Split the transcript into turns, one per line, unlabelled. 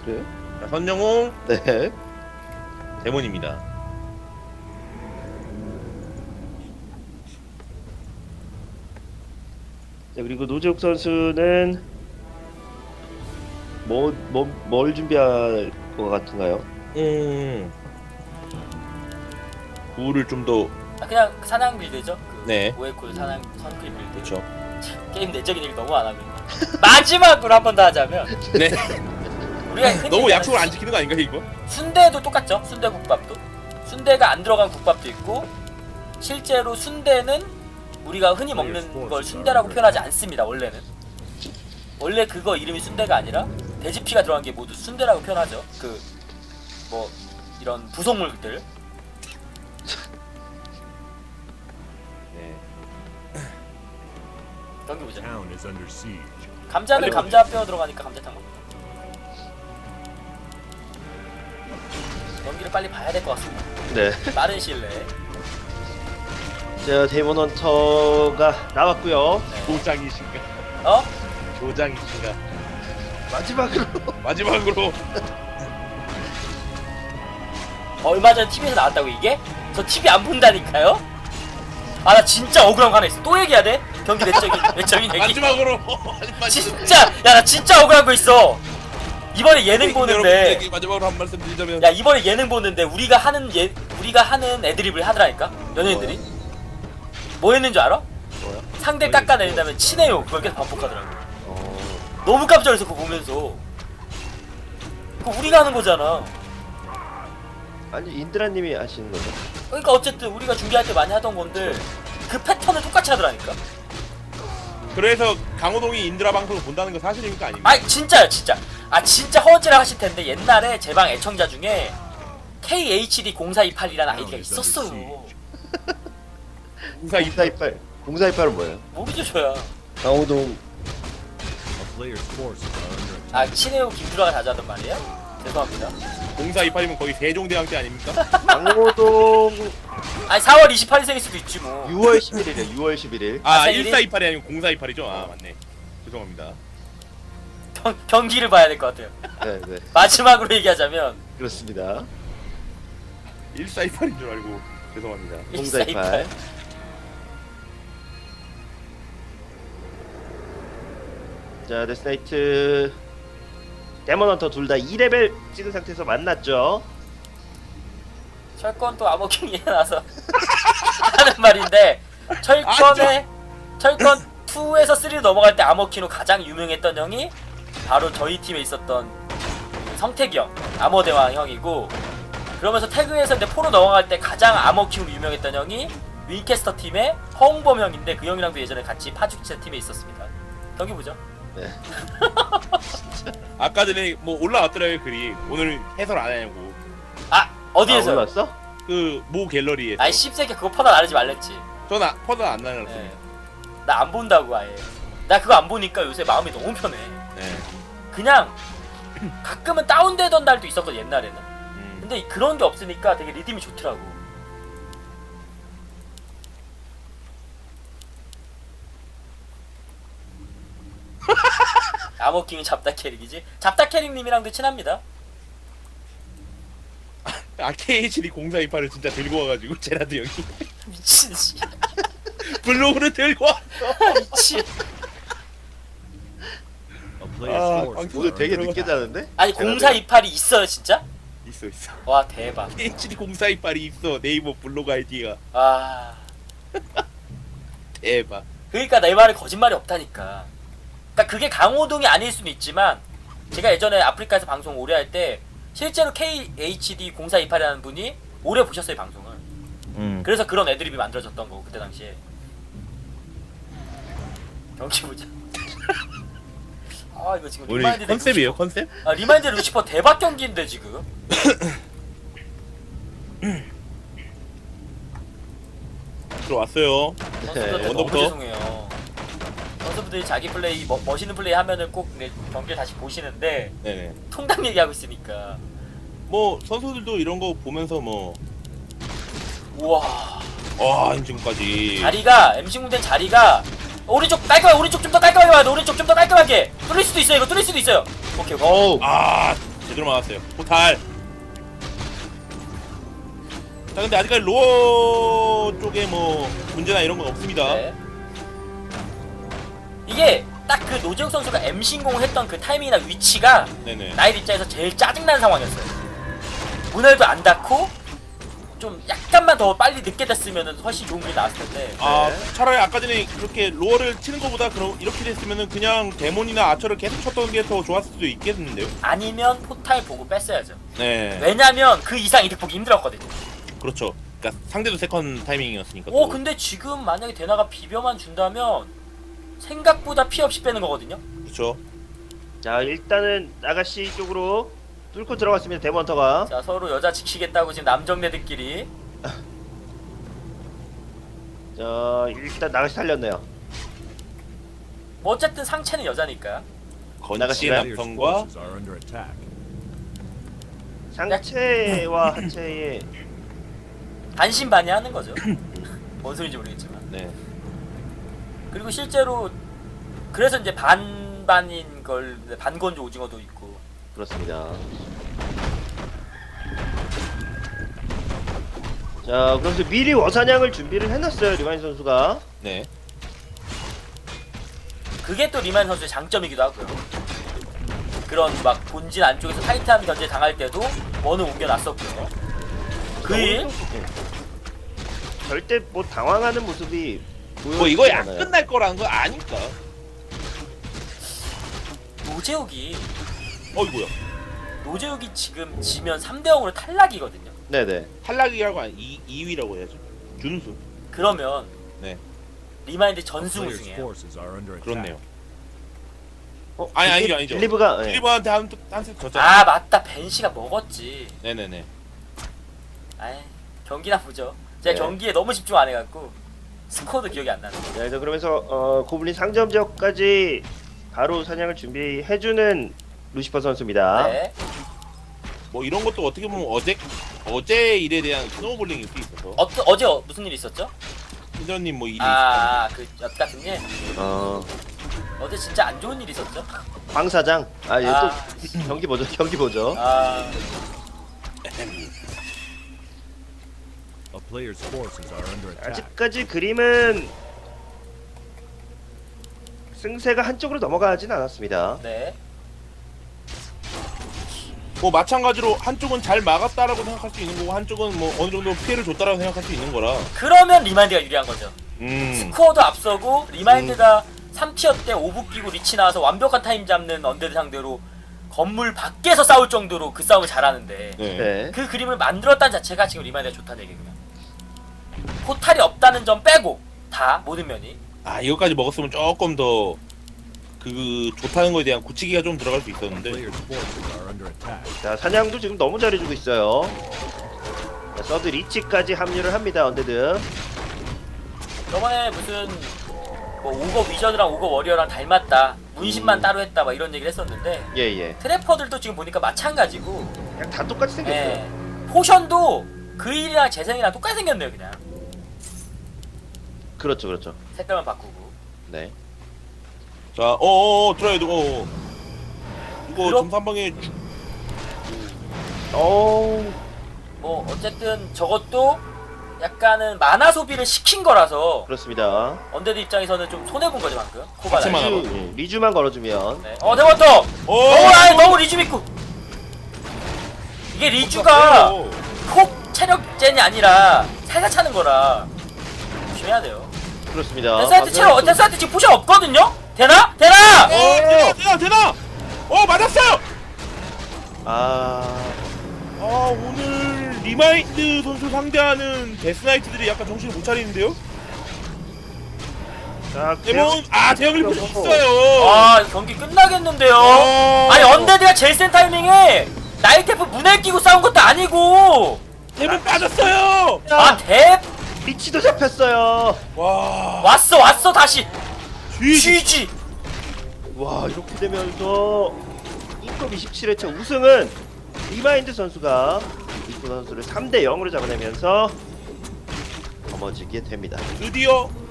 그래요?
자, 선영웅
네.
데몬입니다.
자, 그리고 노재욱 선수는 뭘 준비할 것 같은가요?
구를 좀 더
그냥 사냥 빌드죠. 그
네.
오에쿨 사냥 선크림 빌드.
그렇죠.
게임 내적인 얘기 너무 안 하고 있네. 마지막으로 한 번 더 하자면
네.
우리가 흔히
너무
얘기하는
약속을 안 지키는 거 아닌가 이거?
순대도 똑같죠. 순대 국밥도 순대가 안 들어간 국밥도 있고 실제로 순대는 우리가 흔히 먹는 걸 순대라고 표현하지 않습니다. 원래는 원래 그거 이름이 순대가 아니라 돼지피가 들어간 게 모두 순대라고 표현하죠. 그 뭐 이런 부속물들.
네.
경기 보자.
Town is under siege.
감자는
빨리
감자 뼈 들어가니까 감자탕 먹는다. 경기를 빨리 봐야 될 것 같습니다.
네.
빠른 시일 내에.
자, 데이먼 헌터가 나왔고요.
조장이신가?
어?
조장이신가?
마지막으로
마지막으로
얼마 전에 TV에서 나왔다고 이게? 저 TV 안 본다니까요? 아 나 진짜 억울한 거 하나 있어. 또 얘기해야 돼? 경기 내적인 얘기.
마지막으로
진짜 야 나 진짜 억울한 거 있어. 이번에 예능 보는데
여러분들에게 마지막으로 한 말씀 드리자면
야 이번에 예능 보는데 우리가 하는 애드립을 하더라니까 연예인들이. 뭐 했는 줄 알아?
뭐야?
상대 깎아내린 다음에 친해요. 그걸 계속 반복하더라고.
어,
너무 깜짝 놀랐어 그거 보면서. 그거 우리가 하는 거잖아.
아니 인드라님이 하시는 거죠?
그러니까 어쨌든 우리가 준비할 때 많이 하던 건데 그 패턴을 똑같이 하더라니까.
그래서 강호동이 인드라 방송을 본다는 거 사실입니까 아닙니까?
아 진짜요 진짜. 아 진짜 허언질을 하실 텐데 옛날에 제 방 애청자 중에 KHD0428이라는 아이디가 있었어요.
0428 0428은 뭐예요?
모르죠 저야.
강호동
A player's forces are under attack.
아 친해요 김주라가 자주 하던 말이에요? 죄송합니다.
0428이면 거의 세종대왕때 아닙니까?
강호동
아니 4월 28일생일 수도 있지 뭐.
6월 11일이에요. 6월 11일.
아
생일이?
1428이 아니고 0428이죠? 아 맞네. 죄송합니다.
경기를 봐야 될 것 같아요.
네, 네.
마지막으로 얘기하자면
그렇습니다.
1428인 줄 알고 죄송합니다.
0428. 자, 데스나이트 데몬 헌터 둘 다 2레벨 찍은 상태에서 만났죠.
철권 또 암호킹이 나서 하는 말인데 철권 2에서 3로 넘어갈 때 암호킹으로 가장 유명했던 형이 바로 저희 팀에 있었던 성택이 형, 암호대왕 형이고, 그러면서 태그에서 이제 4로 넘어갈 때 가장 암호킹으로 유명했던 형이 윈캐스터 팀의 허웅범 형인데 그 형이랑도 예전에 같이 파죽제 팀에 있었습니다. 경기 보죠.
네.
아까 전에 뭐 올라왔더라고요 글이. 오늘 해설 안 하냐고.
아 어디에서?
올랐어?
그 모 갤러리에서.
아이 씹새끼 그거 퍼다 나르지 말랬지.
전 퍼드 안 나눴어요.
네. 나 안 본다고 아예. 나 그거 안 보니까 요새 마음이 너무 편해.
네.
그냥 가끔은 다운되던 날도 있었거든 옛날에는.
음.
근데 그런 게 없으니까 되게 리듬이 좋더라고. 암호킹은 잡다 캐릭이지. 잡다 캐릭님이랑도 친합니다.
KHD 0428을 진짜 들고 와가지고 제라드 형이
미친 씨.
블로그를 들고 와.
미친.
A player's forces
방금
오늘
are
되게
under
늦게
attack.
자는데?
아니 0428이 있어요 진짜?
있어.
와 대박.
KHD 0428이 있어. 네이버 블로그 아이디가
아
대박.
그러니까 내 말에 거짓말이 없다니까. 그러니까 그게 강호동이 아닐 수는 있지만 제가 예전에 아프리카에서 방송 오래 할 때 실제로 KHD 0428이라는 분이 오래 보셨어요 방송을. 그래서 그런 애드립이 만들어졌던 거고 그때 당시에. 경기 보자. 아 이거 지금
오늘
리마인드 대
컨셉이에요
루시퍼.
컨셉?
아 리마인드 대 루시퍼 대박 경기인데 지금.
들어왔어요.
선수들 너무
언더부터.
죄송해요. 선수분들이 자기 플레이 멋있는 플레이 하면은 꼭 경기를 다시 보시는데
네네.
통당 얘기하고 있으니까.
뭐 선수들도 이런 거 보면서 뭐
우와.
지금까지
자리가 MC 공된 자리가 오른쪽 깔끔하게 오른쪽 좀 더 깔끔하게 와야 돼. 오른쪽 좀 더 깔끔하게 뚫릴 수도 있어요. 이거 뚫릴 수도 있어요. 오케이 오케이.
어우.
아 제대로 막았어요. 포탈. 자, 근데 아직까지 로어 쪽에 뭐 문제나 이런 건 없습니다.
네. 이게 딱 그 노재욱 선수가 M 신공했던 그 타이밍이나 위치가
네네.
나의 입장에서 제일 짜증나는 상황이었어요. 문을도 안 닫고 좀 약간만 더 빨리 늦게 됐으면 훨씬 좋은 게 나왔을 텐데.
아,
네.
차라리 아까 전에 그렇게 로어를 치는 것보다 그럼 이렇게 됐으면은 그냥 데몬이나 아처를 계속 쳤던 게 더 좋았을 수도 있겠는데요.
아니면 포탈 보고 뺐어야죠.
네.
왜냐면 그 이상 이득 보기 힘들었거든요.
그렇죠. 그러니까 상대도 세컨 타이밍이었으니까.
오
또.
근데 지금 만약에 대나가 비벼만 준다면 생각보다 피 없이 빼는 거거든요.
그렇죠.
자 일단은 아가씨 쪽으로 뚫고 들어갔습니다. 데몬터가.
자 서로 여자 지키겠다고 지금 남정네들끼리.
자 일단 아가씨 살렸네요.
뭐 어쨌든 상체는 여자니까.
건치
나가시나요?
Player's
남성과
forces are under attack.
상체와 하체의
반신반의하는 거죠. 뭔 소리인지 모르겠지만.
네.
그리고 실제로 그래서 이제 반반인 걸 반건조 오징어도 있고.
그렇습니다. 자 그래서 미리 워사냥을 준비를 해놨어요 리바인 선수가.
네.
그게 또 리만 선수의 장점이기도 하고요. 그런 막 본진 안쪽에서 타이트한 견제 당할 때도 원을 옮겨놨었고요. 그일
절대 뭐 당황하는 모습이
뭐 이거 약
않아요.
끝날 거라는 거 아니까.
노재욱이
어이구야.
지금 지면 3대 0으로 탈락이거든요.
네네.
탈락이라고 아니 2위라고 해야죠. 준우승.
그러면
네.
리마인드 전승
Player's
우승이에요.
forces are under attack.
그렇네요.
아니죠.
아니죠.
빌리브가 네.
필리버한테 한세 졌잖아.
아 맞다 벤시가 먹었지.
네네네.
아이 경기나 보죠. 제가
네.
경기에 너무 집중 안 해갖고 스코어도 기억이 안 나네.
자, 그래서 그러면서 고블린 상점 지역까지 바로 사냥을 준비해주는 루시퍼 선수입니다.
네.
뭐 이런 것도 어떻게 보면 어제 일에 대한 스노우볼링일 수 있어서.
어제 무슨 일 있었죠?
신전님 뭐 일이 있었잖아요.
그엿 같은 일.
어,
어제 진짜 안 좋은 일 있었죠?
황 사장. 아, 얘
아.
또 경기 보죠. 경기 보죠.
아
A player's forces are under attack.
아직까지 그림은 승세가 한쪽으로 넘어가진 않았습니다.
네.
뭐 마찬가지로 한쪽은 잘 막았다라고 생각할 수 있는 거고 한쪽은 뭐 어느 정도 피해를 줬다라고 생각할 수 있는 거라.
그러면 리마인드가 유리한 거죠.
음.
스코어도 앞서고 리마인드가 3티어 때 5부 끼고 리치 나와서 완벽한 타임 잡는 언데드 상대로 건물 밖에서 싸울 정도로 그 싸움을 잘하는데
네.
네.
그 그림을 만들었다는 자체가 지금 리마인드가 좋다는 얘기고요. 포탈이 없다는 점 빼고 다 모든 면이.
아 이거까지 먹었으면 조금 더 그 좋다는 거에 대한 고치기가 좀 들어갈 수 있었는데.
Player's forces are under attack.
자, 사냥도 지금 너무 잘해주고 있어요. 자, 서드 리치까지 합류를 합니다. 언데드.
저번에 무슨 뭐 오거 위저드랑 오거 워리어랑 닮았다. 문신만 따로 했다 막 이런 얘기를 했었는데
예예.
트래퍼들도 지금 보니까 마찬가지고
그냥 다 똑같이 생겼어요.
예. 포션도 그일이랑 재생이랑 똑같이 생겼네요 그냥.
그렇죠, 그렇죠.
색깔만 바꾸고.
네.
자, 들어야 돼. 이거
그럼-
점수 한 방에
뭐 어쨌든 저것도 약간은 만화 소비를 시킨 거라서
그렇습니다.
언데드 입장에서는 좀 손해 본 거죠 방금. 코바나.
같이만 하고.
리주만 걸어주면.
네. 대원터. 너무 리주 믿고. 이게 리주가 콕 체력젠이 아니라 살살 차는 거라 조심해야 돼요.
그렇습니다.
데스한테 지금 포션 없거든요? 되나?
되나! 맞았어요!
아,
오늘 리마인드 선수 상대하는 데스나이트들이 약간 정신을 못 차리는데요?
자,
대본, 대형을 볼수
그리고-
있어요!
경기 끝나겠는데요?
어.
아니 언데드가 제일 센 타이밍에 나이테프 문에 끼고 싸운 것도 아니고
대본 빠졌어요!
리치도 잡혔어요.
와,
왔어 다시
GG!
GG.
와, 이렇게 되면서 인컵 27회차 우승은 리마인드 선수가 이쿠 선수를 3대 0으로 잡아내면서 넘어지게 됩니다.
드디어